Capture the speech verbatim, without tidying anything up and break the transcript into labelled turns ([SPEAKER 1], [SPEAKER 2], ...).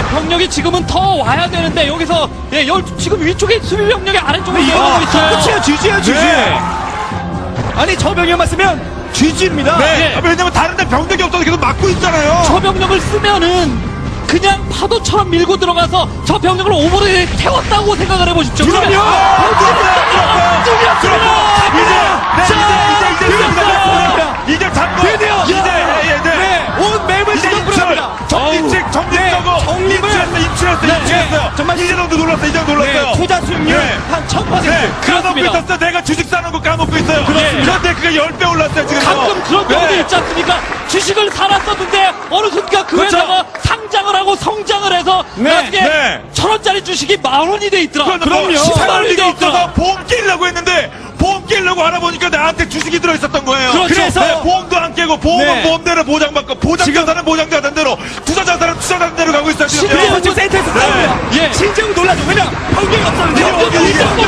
[SPEAKER 1] 병력이 지금은 더 와야 되는데 여기서 예, 열, 지금 위쪽에 수비 병력이 아래쪽으로 이어가고 있어요.
[SPEAKER 2] 끝이야, 지지야, 지지.
[SPEAKER 3] 네.
[SPEAKER 2] 아니, 저 병력만 쓰면 지지입니다.
[SPEAKER 3] 네.
[SPEAKER 1] 예.
[SPEAKER 3] 아, 왜냐면 다른 데 병력이 없어서 계속 막고 있잖아요.
[SPEAKER 1] 저 병력을 쓰면은 그냥 파도처럼 밀고 들어가서 저 병력을 오버를 태웠다고 생각을 해보십시오.
[SPEAKER 2] 그럼요.
[SPEAKER 1] 그러면
[SPEAKER 2] 아,
[SPEAKER 1] 뚫렸습니다.
[SPEAKER 3] 이제, 네, 이제, 이제, 이제, 이제, 이제 잡고.
[SPEAKER 2] 드디어.
[SPEAKER 3] 이제, 예, 예, 네.
[SPEAKER 2] 네, 온 맵을
[SPEAKER 3] 이제
[SPEAKER 2] 지금
[SPEAKER 3] 입출.
[SPEAKER 2] 뿌려갑니다.
[SPEAKER 3] 정립책, 정립하고.
[SPEAKER 2] 네, 정립을.
[SPEAKER 3] 입출했어, 입출했어,
[SPEAKER 2] 네,
[SPEAKER 3] 입출했어요.
[SPEAKER 2] 네, 정말
[SPEAKER 3] 이제 너도 놀랐어, 이제 놀랐어요.
[SPEAKER 2] 네, 투자 수익률
[SPEAKER 3] 네.
[SPEAKER 2] 한 천 퍼센트.
[SPEAKER 3] 네, 까먹고
[SPEAKER 1] 그렇습니다.
[SPEAKER 3] 있었어. 내가 주식 사는 거 까먹고 있어요.
[SPEAKER 1] 그렇습니다.
[SPEAKER 3] 그런데 그게 십 배 올랐어요, 지금.
[SPEAKER 1] 가끔 그런 경우도
[SPEAKER 3] 네.
[SPEAKER 1] 있지 않습니까? 주식을 살았었는데 어느 순간 그
[SPEAKER 3] 그렇죠.
[SPEAKER 1] 회사가 상장을 하고 성장을 해서
[SPEAKER 2] 네,
[SPEAKER 1] 나중에
[SPEAKER 3] 네.
[SPEAKER 1] 천 원짜리 주식이 만 원이 돼 있더라.
[SPEAKER 3] 그럼요.
[SPEAKER 1] 십만 원이
[SPEAKER 3] 리가
[SPEAKER 1] 돼
[SPEAKER 3] 없어서
[SPEAKER 1] 있더라.
[SPEAKER 3] 보험 깨려고 했는데 보험 깨려고 알아보니까 나한테 주식이 들어있었던 거예요.
[SPEAKER 1] 그렇죠.
[SPEAKER 2] 그래서
[SPEAKER 3] 네, 보험도 안 깨고 보험은
[SPEAKER 2] 네.
[SPEAKER 3] 보험대로 보장받고 보장자산은 보장자산대로 투자자산은 투자자산대로 가고 있어요. 지금.
[SPEAKER 2] 그래서 지금 센터에서 싸웁니다.
[SPEAKER 1] 예.
[SPEAKER 2] 진짜로 놀라죠. 왜냐? 병력이 없었는데.
[SPEAKER 1] 병력이
[SPEAKER 2] 병력이
[SPEAKER 1] 없었는데.